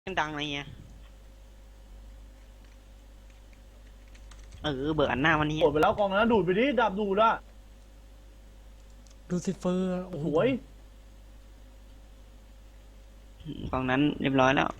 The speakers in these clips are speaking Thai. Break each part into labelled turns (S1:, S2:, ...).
S1: ดังอะไรเงี้ยเบิกอันหน้าวันนี้
S2: กดไปแล้วกองนั้นดูดไปดิดับดูดอะ
S3: ลูซิเฟอร์โอ้โห
S2: สวย
S1: กองนั้นเรียบร้อยแล้ว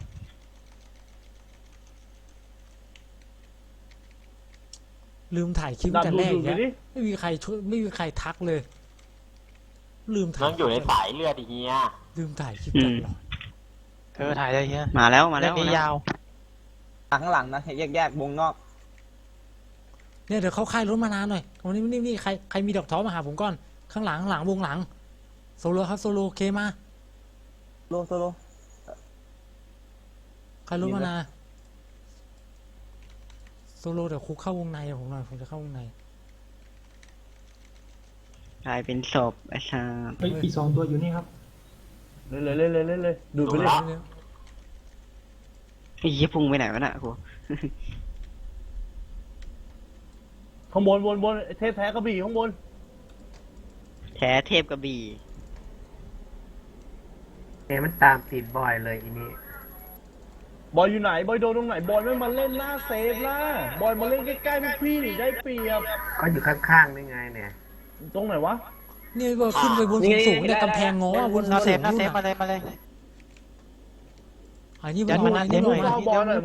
S3: ลืมถ่ายคลิป
S2: ดับ
S3: แต่
S2: ดู
S3: แร
S2: ด
S3: ก
S2: ดูด
S3: อีก
S2: ไป
S3: แล้ว
S2: ดิ
S3: ไม่มีใครช่วยไม่มีใครทักเลย ลืมถ่า
S4: น้
S3: ย
S4: องอยู่ในสายเลือดอีเฮีย
S3: ลืมถ่ายคลิปตลอด
S5: ถ่ายได้เฮีย
S1: มาแล้วมา
S5: เล่
S1: แล้ว
S5: นนี้ยาว
S6: ข้างหลังนะแยกวงนอก
S3: เนี่ยเดี๋ยวเขาค่ายรถมานานหน่อยวันนี้นี่ใครมีดอกท้อมาหาผมก่อนข้างหลังวงหลังโซโลครับโซโลเคมา
S6: โซโล
S3: ใครรถมานาโซโลเดี๋ยวคุกเข้าวงในผมหน่อยผมจะเข้าวงใน
S1: กลายเป็นศพไอ้ชา
S5: อีก2 ตัวอยู่นี่ครับ
S2: เลยดูดไปเลย
S1: ไอ้เหี้ยพุ่งไปไหนวะน่ะกู
S2: ข้างบนเทพแท้กระบี่ข้างบน
S1: แท้เทพกระบี่
S5: มันตามติดบ่อยเลยอีนี้
S2: บอยอยู่ไหนบอยโดนตรงไหนบอยไม่มาเล่นหน้าเซฟล่ะบอยมาเล่นใกล้ๆพวกพี่ได้เปรียบ
S5: ก็อยู่ข้างๆนี่ไงเนี่ย
S2: ตรงไหนวะ
S3: เนี่ยว่าขึ้นไปบนสูงๆเนี่ยกำแพงง้อบนสู
S5: น่าง เซฟ
S3: ๆ
S5: น่า
S3: นู่น
S5: เซฟมา
S3: น่ะ
S5: เลยมาเลย
S3: อันนี้
S5: ยั
S3: มัน
S5: ด
S3: ล
S5: มาง นะ
S3: อันนี้
S2: มู
S3: ลง
S2: เข้าบอลหน่อยมู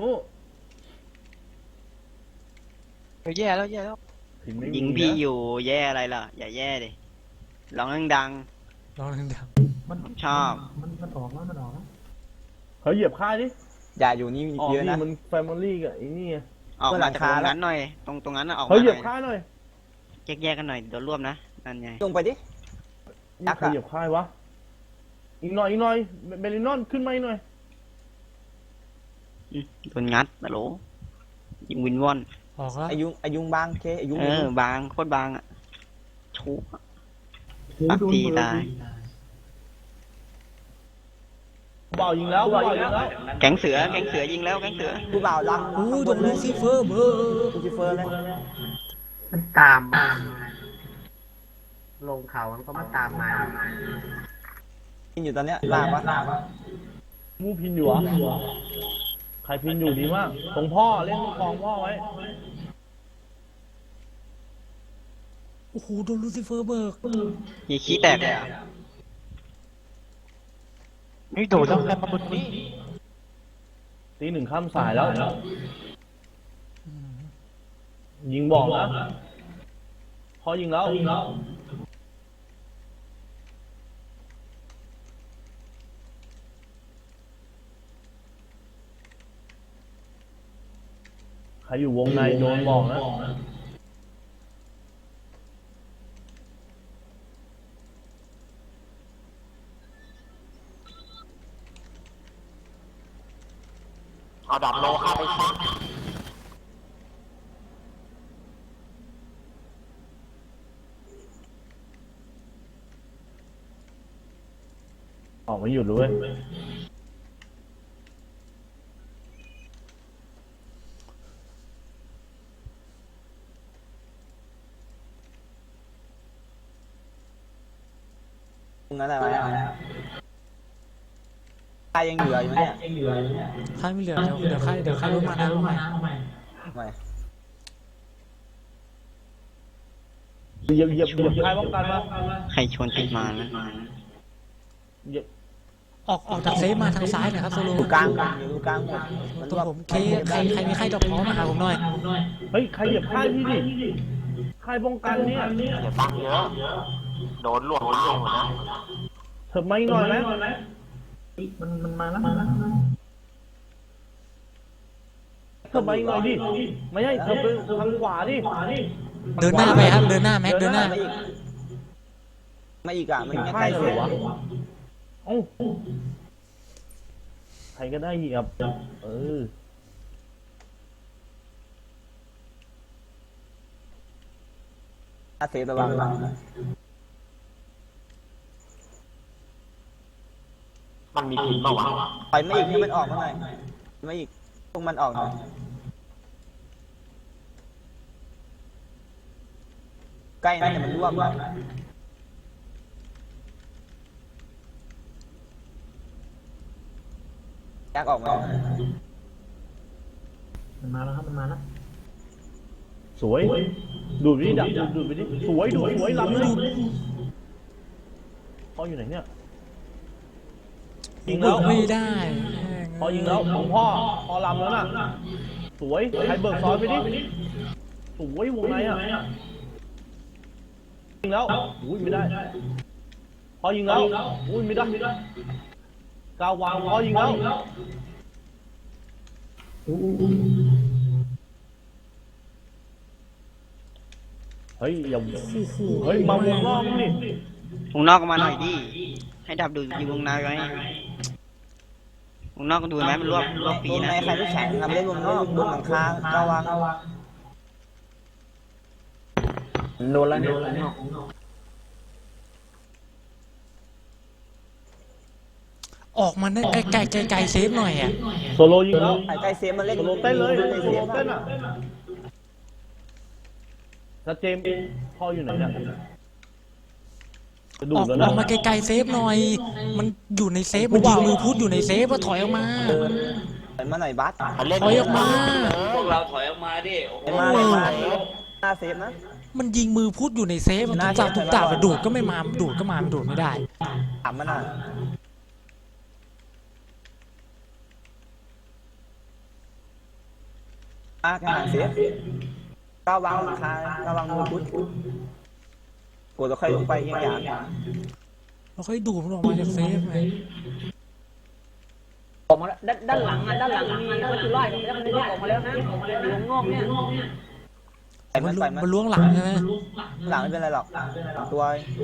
S5: แย่แล้ว
S1: ยิงพี่อยู่แย่อะไรล่ะอย่าแย่ดิร้องดัง
S3: ลองดัง
S1: ๆชอบ
S5: มันออกแล้วมันออกแล้ว
S2: เขาเหยียบค่ายดิ
S6: อย่าอยู่นี่
S2: ออก
S6: เยอะ
S2: นี่
S6: นะ
S2: มันแฟมิลี่กับไอ้นี่
S1: ออก
S6: เพื่อนหลั
S1: มาง จาก
S6: คา
S1: ตรงนั้นหน่อยตรงนั้นน่ะออก
S2: เขา
S1: มา
S2: เห
S1: ห
S2: ยี
S1: น่
S2: ยบ
S1: อย
S2: ค่ายหน่อย
S1: แยกกันหน่อยเดี๋ยวรวบนะนั่นไง
S6: ลงไปดิ
S2: นี่เขาเหยียบค่ายวะอีกหน่อยเบลินอนขึ้นมาอีกหน่อย
S1: โดนงัดตะโหลยิงวินวอน
S3: ๆออกแล้ว
S6: อายุงบางเคอายุง
S1: บางโคตรบางอ่ะชุบปักตีตาย
S2: เบายิงแล้วเบายิงแล้ว
S1: แก๊งเสือยิงแล้วแก๊งเสือ
S6: ผู้บ่าวรัง
S3: โอ้
S6: ข้าง
S3: ต
S6: บ
S3: ร
S6: น
S3: ง
S6: เล
S3: ลู
S6: ย
S3: ซิเฟอร์เบอร์
S6: ลูซิเฟอร์เลย
S5: มันตามมาลงเขามันก็มาตามมา
S6: กินอยู่ตอนเนี้ยลากวะ
S2: มูพินอยู่เหรอใครพินอยู่ดีมากตรงพ่อเล่นคลองพ่อไว้
S3: โอ้โหโดนลูซิเฟอร์เบิก
S1: ยีขี้แตกเลยอ่ะ
S5: ไม่โดดแล้วแค่มาบนนี้
S2: ตีหนึ่งข้ามสายแล้ว ยิงบอกนะพอยิงแล้วใครอยู่วงในโดนบอกนะ
S4: เอาดับโลเข้าไปซัก
S2: ออกไม่หยุดเลย
S6: ตรงนั้นอะไรวะตายยังเหลืออยู่ไหมเนี่ย
S3: ค่ายไม่เหลือเดี๋ยวค่ายรถมานะเอาใหม่
S6: ไม่
S2: เหยียบใครป้องกันมา
S1: ใครชวนติดมานะ
S2: เหยียบ
S3: ออกจากเซฟมาทางซ้ายหน่อยครับโซโล
S6: อยู่กลางอยู่กลางหมดมัน
S3: ตัว
S6: รวบ
S3: ผมเคใครมีใครดอกท้อมาหาผมหน่อย
S2: เฮ้ยใครเหยียบค่ายพี่ดิค่ายป้องกันเนี่ย
S4: อย่าตั้งเยอะ โดนลวกตายหมดนะ
S2: เถิบมาอีกหน่อยไหม
S5: มันมาแล้ว
S2: เถิบมาอีกหน่อยดิไม่ใช่เถิบไปทางขวาดิ
S3: เดินหน้าไปครับเดินหน้าแม็กเดินหน้า
S6: ไม่อีกอ่ะมัน
S2: ค่า
S6: ใกล้
S2: ย
S6: เส
S2: เล
S6: ร็
S2: ย
S6: จ
S2: วะเอ้าใครก็ได้เหยียบ
S6: ถ้าเซฟระวัง
S4: มันมีพิษมาวะ
S6: ปล่อยไม่อีกให้มันออกมาหน่อยไม่อีกพวกมันออกหน่อยใกล้นะเดี๋ยวมันรวบนะแยกออกมา
S5: มันมาแล้วครับมันมาแล้ว
S2: สวยดูดไปดิดับดูดไปดิสวยลำเลยพ่ออยู่ไหนเนี่ยยิงแล้ว
S3: ไม่ได้
S2: พอยิงแล้วของพ่อลำแล้วน่ะสวยใครเบิกซ้อนไปดิสวยวงในอ่ะยิงแล้วอุ้ยไม่ได้พอยิงแล้วอุ้ยไม่ได้กาวางพอยิงแล้วเฮ้ยอย่าเฮ้ยมาวงนอกนี่
S1: วงนอกก็มาหน่อยดิให้ดับดูอยู่วงในไว้วงนอกก็ดูไหมมันรวบฟรี
S6: วง
S1: นะ
S6: ในใครไม่แข็งทำเล่นวงนอกวงหลังคาระวัง
S5: โดนแล้วเนี่ย
S3: ออกมาได้ไกลเซฟหน่อยอ่ะ
S2: โซโลยิงแล้ว
S6: ใกล้เซฟมันเล่น
S2: โซโลเต้นเลย
S6: ใกล้
S2: โซ
S6: เซ
S2: โล
S6: ฟ
S2: เต้นอ่ะแล้วเจมส์พ่ออยู่ไหนเนี่ยจะดู
S3: อ
S2: ด
S3: อก
S2: แล้ว
S3: อ
S2: นะ
S3: อกมาไกลเซฟหน่อย มันอยู่ในเซฟมันยิงมือพุทอยู่ในเซฟก็ถอยออกมา
S6: ถอยมาหน่อยบัส
S4: มันเล่น
S3: ถอยออกมา
S7: พวกเราถอยออกมาดิโอ้โห
S6: ถอยมาหน้าเซฟนะ
S3: มันยิงมือพุทอยู่ในเซฟมันทุกจ่าไปดูดก็ไม่มาดูดก็มามันดูดไม่ได้
S6: ถามมันอ่ะกระหังเซฟก้าววางหลังคาระวังมือพุทกดแล้วค่อยลงไปอย่าง
S3: เราค่อยดูดมันออกมาจากเซฟไง
S8: ออกมาแล้วด้านหลังมีก็คือไล่แล้วมันออกมาแล้วนะอยู่ข้างนอกเนี่ย
S6: ใส่มันใส่มัน
S3: มันล้วงหลังใช่ไหม
S6: หลังไม่เป็นไรหรอกตัว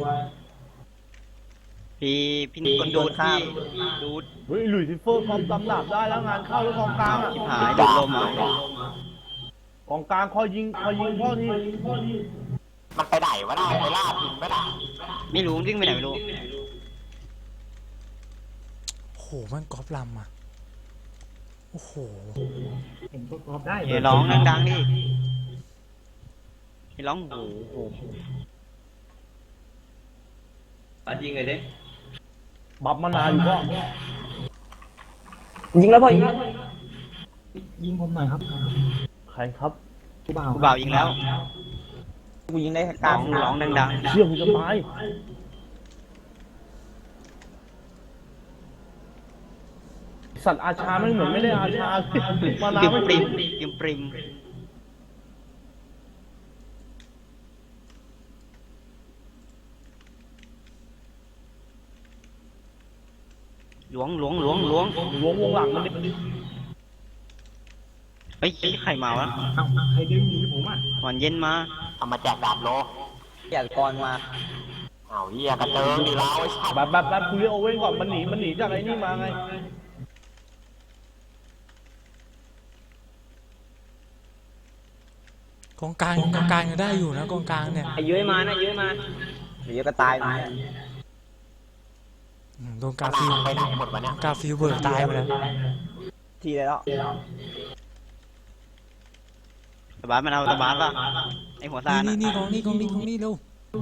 S1: พี่นิกคนดูดพี่ดูด
S2: เฮ้ยหลุยส์ซิเฟอร์คอมตำดาบได้แล้วงานเข้าแล้วกองกลางอ่ะ
S1: ชิบหายดูดลมอ่ะ
S2: กองกลางคอยยิงพ่อที่
S4: มันไปไหนวะน่ะไปล่าพินไม่ได้
S1: ไม่รู้วิ่งไปไหนไม่รู้
S3: โอ้โหมันกรอบลำอ่ะโอ้โห
S5: เห็นก็กรอบได้
S1: เฮ้ยร้องดังๆดิเฮ้ยร้องโอ้โห
S7: ปัดยิงเลยดิ
S2: บับมานาวอยู่ก็
S8: ยิงแล้วพ่อยิง
S5: ยิงผมหน่อยครับ
S2: ใครครับ
S5: ผู้บ่าว
S1: กูบ่าวยิงแล้ว
S6: กูยิงได้แค่ก
S1: ร้
S6: ลา
S1: อง งร้องดัง
S2: เชี่ยมึงจะตายสัตว์อาชาไม่เหมือนไม่ได้อาชามา
S1: ๆ
S2: นา
S1: ปิม
S2: ไม่
S1: ปริมปิมปริมล้วง
S2: ล้วงวงหลังมันดิ
S1: เฮ้ยใครมาวะ
S5: เอ้าใครดึงหนีผมอ่ะ
S1: วันเย็นมา
S4: เอามาแจกดาบโล
S6: อยากกรมา
S4: เอาเหี้ยกระเจิงดิเราไอ้สัตว์
S2: แบบกูเรียกโอเว่นก่อนมันหนีจากไอ้นี่มาไง
S3: กองกลางยังได้อยู่นะกองกลางเนี่ย
S8: ไอ้เย้ยมานะเย้ยมา
S6: เดี๋ยวก็ตายมา
S3: โดนกาฟิล
S4: ไปไหนหมดวะเนี่ย
S3: กาฟิลเบิร์ตายไปแล้ว
S6: ทีเลยแล้ว
S1: ตะบาสมันเอาตะบาสป่ะไอหัวซาน
S3: นี่
S1: อะ
S3: กองนี้เร็ว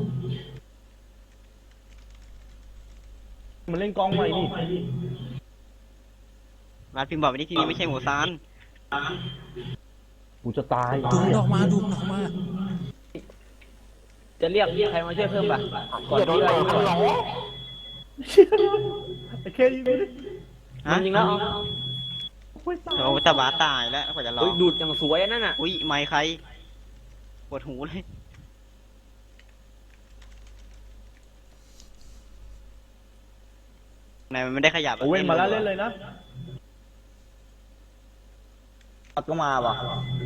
S2: มันเล่นกองใหม่นี่
S1: บาสพิมพ์บอกไปนี่ที่นี่ไม่ใช่หัวซาน
S2: กูจะตาย
S3: ดูมันออกมา
S8: จะเรียกใครมาช่วยเพิ่มป่ะ
S4: เหี้ยโดนเลยฮัลโหล
S2: ไอ้เคยิงกูดิ
S1: ฮะ
S8: ยิงแล้ว
S2: โอ้ยตาย
S1: โอ้ตะบาสตายแล้วกว่าจะรอ
S8: ดูดอย่างสวยนั่นน่ะ
S1: อุ้ยไมค์ใครปวดหูเลยไหนมันไม่ได้ขยับะ
S2: โอเว่นมาแล้วเล่นเลยนะ
S6: ปัดก็มาว่ะ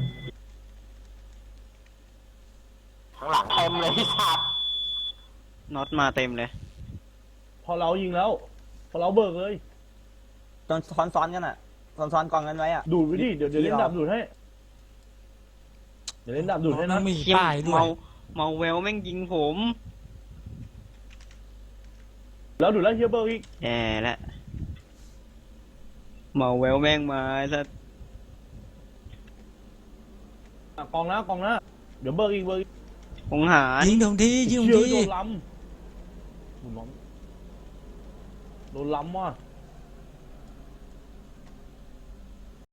S4: ข้างหลังเต็มเลยที่สัตว์
S1: น็อตมาเต็มเลย
S2: พอเรายิงแล้ว พอเราเบิกเลย
S6: ตอนซ้อนกันอ่ะซ้อนกองกันไว้อ่ะ
S2: ดูดไปดิเดี๋ยวเล่นดับดูดให้เดี๋ยวเล่นดับดูดให้
S3: มั
S2: นะ
S3: นมี
S1: เขี้ยม
S3: ป้ายด้วย
S1: เมาแววแม่งยิงผม
S2: แล้วดูดแล้วเฮียเบิร์กอีก
S1: แย่แล้วเมาแววแม่งมาซะ
S2: กองนะเดี๋ยวเบิร์กอีก
S1: คงหาร
S3: ยิงตรงที่
S2: เชื่อโดนล้ำโดนล้ำว่ะ